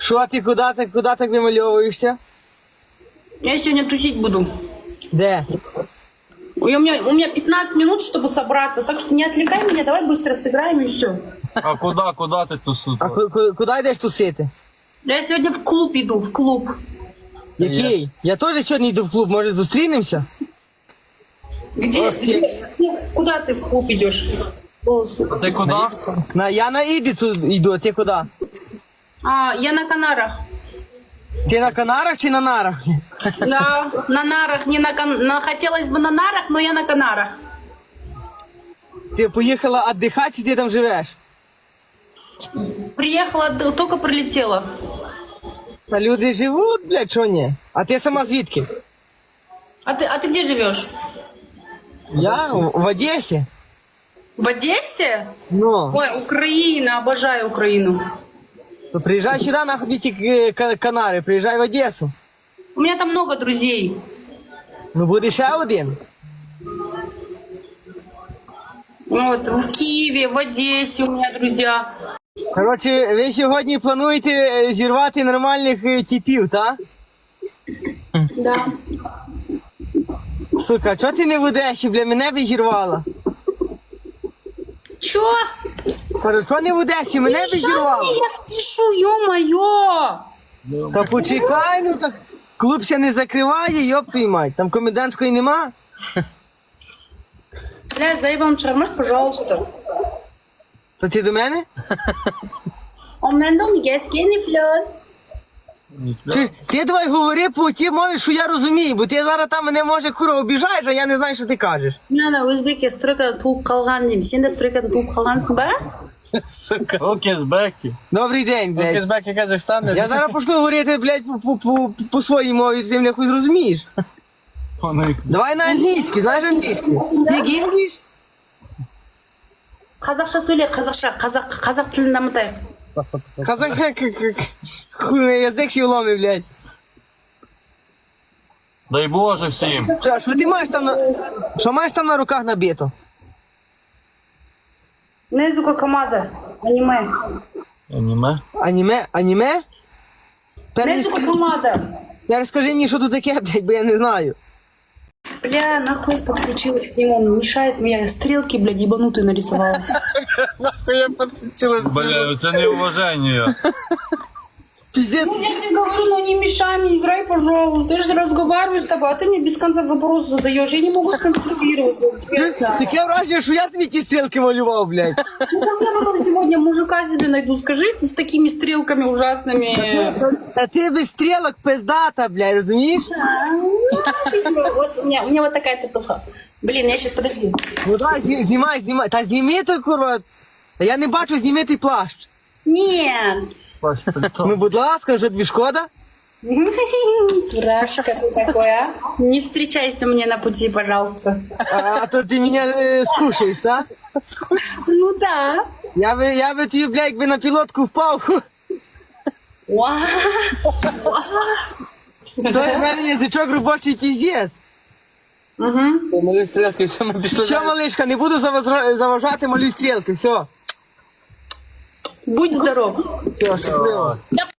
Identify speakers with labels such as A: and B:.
A: Що ти, куди так вимальовуєшся?
B: Я сегодня тусить буду.
A: Де?
B: У меня 15 минут, чтобы собраться, так что не отвлекай меня, давай быстро сыграем и все.
C: А куда ти тусуєш?
A: А куди йдеш тусити?
B: Я сегодня в клуб иду, в клуб.
A: Який? Я теж сьогодні йду в клуб, може зустрінемося?
B: Где? Куда ты в клуб идешь?
C: А ти куди?
A: Я на Ібіцу йду, а ти куди?
B: А, я на Канарах.
A: Ти на Канарах чи на нарах?
B: Да, на нарах, не на хотелось бы на нарах, но я на Канарах.
A: Ти поїхала віддихати, чи ти там живеш?
B: Приехала, только прилетела.
A: Та люди живуть, блядь, що ні? А ти сама звідки?
B: А ты где живешь?
A: Я в Одесі.
B: В Одессе?
A: Ну,
B: Ой, Украина, обожаю Украину.
A: то приїжджай сюди, нахуй ті Канари, приїжджай в Одесу.
B: У меня там много друзей.
A: Ну буде ще один.
B: Вот, в Киеве, в Одессе у меня друзья.
A: Коротше, ви сьогодні плануєте зірвати нормальних типів, так?
B: Да.
A: Сука, чого ти не в Одесі, бля, мене б зірвала?
B: Чё?
A: Кажу, чого не в Одесі, мене б зірвала?
B: Я спешу, ё-моё!
A: Та почекай, ну так клуб ся не закриває, йоп твою мать, там комендантської нема?
B: Бля, заебал шармаш, пожалуйста.
A: То ти до мене?
B: У меня дом есть, не плюс.
A: Ти давай говори по тій мові, що я розумію, бо ти зараз там мене може кура обіжаєш, а я не знаю, що ти кажеш.
B: Мына өзбекке стройкадан туылып калган дейм. Сен де стройкадан туылып калгансың ба?
C: Сука. Окезбеки.
A: Добрий день, блядь.
C: Окезбеки Казахстан.
A: Я зараз почну говорити, блядь, по своїй мові, ти мене хоч зрозумієш. Давай на англійський, знаєш англійський? Speak English?
B: Қазақша сөйле, қазақ тілін дамытайық.
A: Казах, хуй, язик сі вломив, блядь.
C: Дай Боже всім.
A: Що ти маєш там на... Що маєш там на руках набито?
B: Незука Камаза, аниме.
C: Аніме?
A: Аніме?
B: Незука Камаза.
A: Розкажи мені, що тут таке, блядь, бо я не знаю.
B: Бля, нахуй подключилась к нему, он мешает мне. Я стрелки, блядь, ебанутые нарисовала.
A: Нахуй я підключилась.
C: Бля, це неуваження.
A: Пиздец.
B: Я тебе говорю, ну не мешай мне, играй, пожалуйста. Я же разговариваю с тобой, а ты мне без конца вопросы задаешь. Я не могу сконцентрироваться.
A: Таке враження, що я тобі ті стрілки малював, блядь.
B: Ну как я потом сегодня мужика себе найду, скажи, ты с такими стрелками ужасными.
A: Та ти без стрілок пиздата, блядь, розумієш?
B: Вот у меня вот такая татуха. Блин, я сейчас подожди.
A: Ну давай, знімай. Та зніми той, курва. Та я не бачу, зніми той плащ.
B: Нет.
A: Ну, будь ласка, вже тобі шкода?
B: Дурашка ты такой, а? Не встречайся мне на пути, пожалуйста.
A: А то ти мене скушаєш, так?
B: Ну да.
A: Я би тобі, блядь, якби на пілотку впав.
B: Вау.
A: То в мене язичок робочий піздець.
C: Малюй стрілки, якщо ми пішли.
A: Все, малишка, не буду заважати, малюй стрілки, все.
B: Будь здоров.
A: Все, щасливо.